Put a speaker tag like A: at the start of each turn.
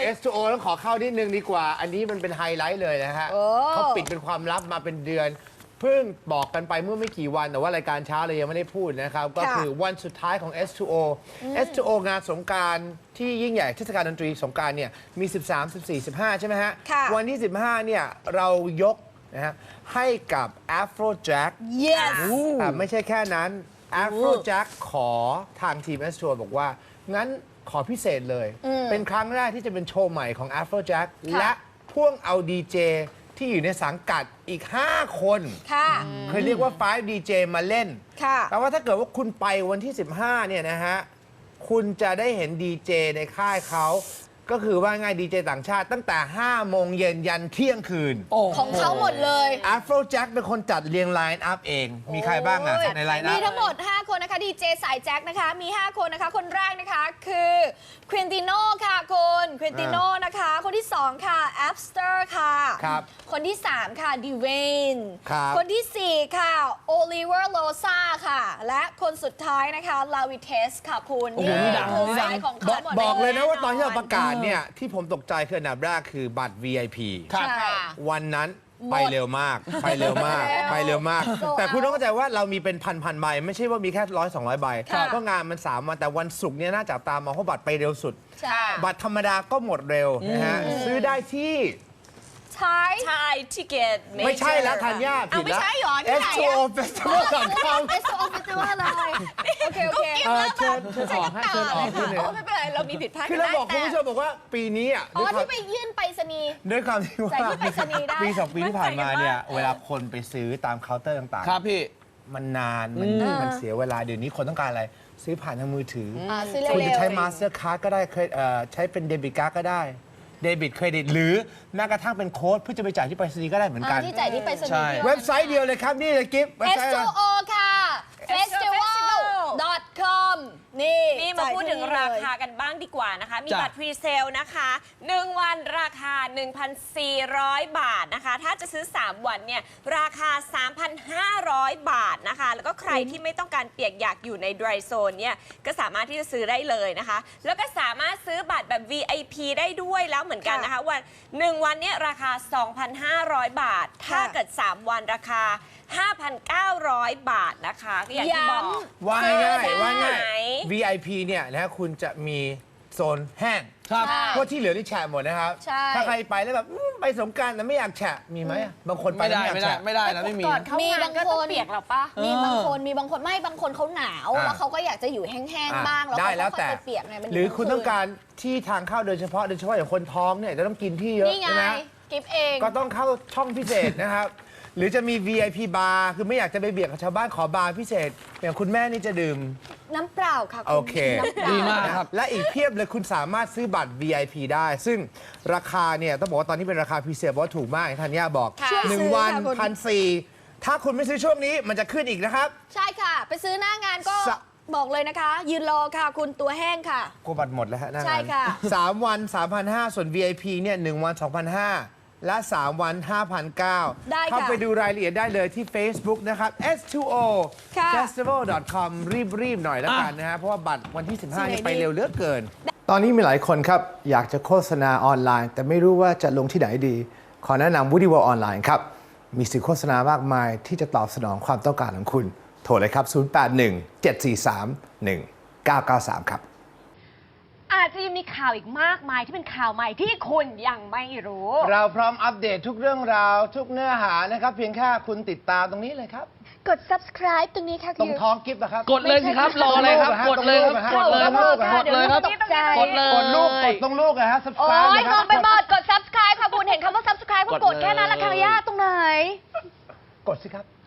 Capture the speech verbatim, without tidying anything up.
A: เอส ทู โอ ต้องขอเข้านิดนึงดีกว่าอันนี้มันเป็นไฮไลท์เลยนะฮะเขาปิดเป็นความลับมาเป็นเดือนเพิ่งบอกกันไปเมื่อไม่กี่วันแต่ว่ารายการเช้าเลยยังไม่ได้พูดนะครับก็คือวันสุดท้ายของ เอส ทู โอ เอส ทู โอ งานสงกรานต์ที่ยิ่งใหญ่เทศกาลดนตรีสงกรานต์เนี่ยมี สิบสาม สิบสี่ สิบห้า ใช่ไหมฮะวันที่ สิบห้า เนี่ยเรายกนะฮะให้กับ Afrojack
B: yes
A: แต่ไม่ใช่แค่นั้น Afrojack ขอทางทีม เอส ทู โอ บอกว่างั้นขอพิเศษเลย เป็นครั้งแรกที่จะเป็นโชว์ใหม่ของ Afrojack และพ่วงเอาดีเจที่อยู่ในสังกัดอีก ห้า คนเคยเรียกว่า ไฟว์ ดี เจ มาเล่นแปลว่าถ้าเกิดว่าคุณไปวันที่ สิบห้า เนี่ยนะฮะ คุณจะได้เห็นดีเจในค่ายเขา ก็คือว่าง่ายดีเจต่างชาติตั้งแต่ ห้า โมงเย็นยันเที่ยงคืน
B: ของเขาหมดเลย
A: Afrojack เป็นคนจัดเรียงไลน์อัพเอง มีใครบ้างอ่ะในไลน์อัพ
B: มีทั้งหมด ห้า คนนะคะดีเจสายแจ็คนะคะมี ห้า คนนะคะคนแรกนะคะคือควินติโน่ค่ะคุณควินติโน่นะคะคนที่ สอง ค่ะแอปสเตอร์ค่ะ
A: ครับ
B: คนที่ สาม ค่ะดีเวน
A: ครับ
B: คนที่ สี่ ค่ะโอลิเวอร์โลซาค่ะและคนสุดท้ายนะคะลาวิเทสค่ะคุณนี่คือสายของเขาหมด
A: บอกเลยนะว่าตอนที่เราประกาศเนี่ยที่ผมตกใจคืออันดับแรกคือบัตร วี ไอ พี
B: ใช่
A: วันนั้นไปเร็วมาก ไปเร็วมาก ไปเร็วมาก แต่คุณต้องเข้าใจว่าเรามีเป็นพันพันใบ ไม่ใช่ว่ามีแค่ร้อยสองร้อยใบเพราะงานมันสามวันแต่วันศุกร์เนี่ยน่าจับตามองเพราะบัตรไปเร็วสุด บัตรธรรมดาก็หมดเร็วนะฮะซื้อได้ที่
B: ใช่
C: ใช่ทิเก็ต
A: ไม่ใช่แล้วธัญญาผิดแล้ว
C: ไม่ใช่หรอ
A: เอส ทู โอ Festival ดอท คอม
B: เอส โอ Festival เลยโอเคโอเค
A: เออเชิญเชิญออกให้เชิญออกคุณเนี่ย
C: ไม่เป็นไรเรามีผิดพลาด
A: คือเราบอกคุณผู้ชมบอกว่าปีนี้อ่ะ
B: อ๋อ
A: ด้วยความ
B: ที่ไปยื่นไปรษณีย์
A: ด้วยความที่ว่า
B: จ่ายที่ไปรษณีย์ได้
A: ปีสองปีที่ผ่านมาเนี่ยเวลาคนไปซื้อตามเคาน์เตอร์ต่างๆ
D: ครับพี่
A: มันนาน มันมันเสียเวลา เดี๋ยวนี้คนต้องการอะไร ซื้อผ่านทางมือถืออ
B: อ่าซื้อเร็วๆ
A: คุณจะใช้มาสเตอร์การ์ดก็ได้เคยเอ่อใช้เป็นเดบิตการ์ดก็ได้ เดบิตเครดิต หรือแม้กระทั่งเป็นโค้ดเพื่อจะไปจ่ายที่ไปรษณีย์ก็ได้เหมือนกัน
B: ที่จ่ายที่ไปรษณีย์
D: ใช่
A: เว็บไซต์เดียวเลยครับ นี่เลยกิฟต์เว็บ
B: เอส
A: ไซต์
B: ทู
A: อะไร
B: โอ ค่ะ เฟสติวัล ดอท คอม นี่
C: นี่มาพูดถึง
B: จ่ยที่
C: รา
B: เลย
C: คากันบ้างดีกว่านะคะ มี
D: จ้ะ
C: บัตรพรีเซลนะคะหนึ่งวันราคา หนึ่งพันสี่ร้อย บาทนะคะ ถ้าจะซื้อ สาม วันเนี่ยราคา สามพันห้าร้อย บาทนะคะ แล้วก็ใครที่ไม่ต้องการเปียกอยากอยู่ใน dry zone เนี่ยก็สามารถที่จะซื้อได้เลยนะคะ แล้วก็สามารถซื้อบัตรแบบ วี ไอ พี ได้ด้วยแล้วเหมือนกันนะคะวันหนึ่งวันเนี่ยราคา สองพันห้าร้อย บาท ถ้าเกิด สาม วันราคา ห้าพันเก้าร้อย บาทนะคะก็อย่างที่บอก
A: ว่าง่ายๆว่าง่าย
C: ไหน
A: วี ไอ พี เนี่ยนะคุณจะมีโซนแห้ง
D: ครับ
A: เพราะที่เหลือที่แฉะหมดนะครับ
B: ใช่
A: ถ้าใครไปแล้วแบบอืมไปสงกรานต์แต่ไม่อยากแฉะมีไหมอะบางคนไป
D: ไม่
A: แล้ว
D: ได้
A: ไม่อยาก
D: ไม่ได้
A: แฉะ
D: ไม่ได้นะไม่มี
C: ก่อนเข้า
B: มี
C: งา
B: บาน ง
C: ก็
B: ค
C: ต้อง
B: น
C: เปียกหรอปะ
B: มีบางคนมีบางคนไม่บางคนเขาหนาว
A: อ่า
B: แล้วเขาก็อยากจะอยู่แห้ง
A: อ่ะ
B: ๆบ้างแล้ว
A: ได้
B: เขา
A: แล้ว
B: ก็
A: แต่
B: ค่อยไปเปียกไงมัน
A: หรือคุณ
B: ทั้
A: ต้องการที่ทางเข้าโดยเฉพาะโดยเฉพาะอย่างคนท้องเนี่ยจะต้องกินที่เยอะ
B: นี่ไง
A: ใช่ไหม
B: กิฟเอง
A: ก็ต้องเข้าช่องพิเศษนะครับ หรือจะมี วี ไอ พี บาร์คือไม่อยากจะไปเบียดกับชาวบ้านขอบาร์พิเศษอย่างคุณแม่นี่จะดื่ม
B: น้ำเปล่าค่ะณ
A: โอเค
B: น้ำเปล่า
D: ดีมากครับ
A: และอีกเพียบเลยคุณสามารถซื้อบัตร วี ไอ พี ได้ ซึ่งราคาเนี่ยต้องบอกว่าตอนนี้เป็นราคาพิเศษเพราะว่าถูกมากอย่างธัญญาบอก
B: ค่ะ
A: หนึ่ง
B: ซื้อ
A: วัน
B: ค่ะคุณ
A: พันสี่ถ้าคุณไม่ซื้อช่วงนี้มันจะขึ้นอีกนะครับ
B: ใช่ค่ะ ไปซื้อหน้างานก็
A: สะ
B: บอกเลยนะคะ ยืนรอค่ะ คุณตัวแห้งค่ะ
A: กลัวบัตรหมดแล้วฮะหน้างาน
B: ใช่ค่ะ
A: สามวัน สามพันห้าร้อย ส่วน วี ไอ พี เนี่ยหนึ่งวัน สองพันห้าร้อย และ สาม วัน ห้าพันเก้าร้อย
B: ได้ค่ะ
A: เข้าไปดูรายละเอียดได้เลยที่ Facebook นะครับ เอส ทู โอ
B: ค่ะ
A: เฟสติวัล ดอท คอม รีบ ๆ หน่อยแล้วกันนะฮะ เพราะว่าบัตรวันที่ สิบห้า
B: สิบไหน
A: นี่ไป
B: ดี
A: เร็วเหลือเกิน ตอนนี้มีหลายคนครับ อยากจะโฆษณาออนไลน์ แต่ไม่รู้ว่าจะลงที่ไหนดี ขอแนะนำ Woody World ออนไลน์ครับ มีสื่อโฆษณามากมายที่จะตอบสนองความต้องการของคุณ โทรเลยครับ ศูนย์ แปด หนึ่ง เจ็ด สี่ สาม หนึ่ง เก้า เก้า สาม ครับ
E: อาจจะยังมีข่าวอีกมากมายที่เป็นข่าวใหม่ที่คุณยังไม่รู้
A: เราพร้อมอัปเดตทุกเรื่องราวทุกเนื้อหานะครับ เพียงแค่คุณติดตามตรงนี้เลยครับ
B: กด subscribe ตรงนี้ค่ะ
A: ตรงท้องกิฟต์นะครับ
D: กดเลยสิครับ รออะไรครับ กดเลยครับ กดเลยครับ กดเลยครับ
B: ตกใจ
D: กดเลย
A: กดลูกกดตรงลูกนะฮะ
E: โอ้
A: subscribe
E: ย
A: นะค
E: ง
A: รั
E: งไปหมดกด subscribe ค่ะคุณเห็นคำว่า subscribe ก็กดแค่นั้นละค่ะย่าตรงไหน
A: กดสิครับ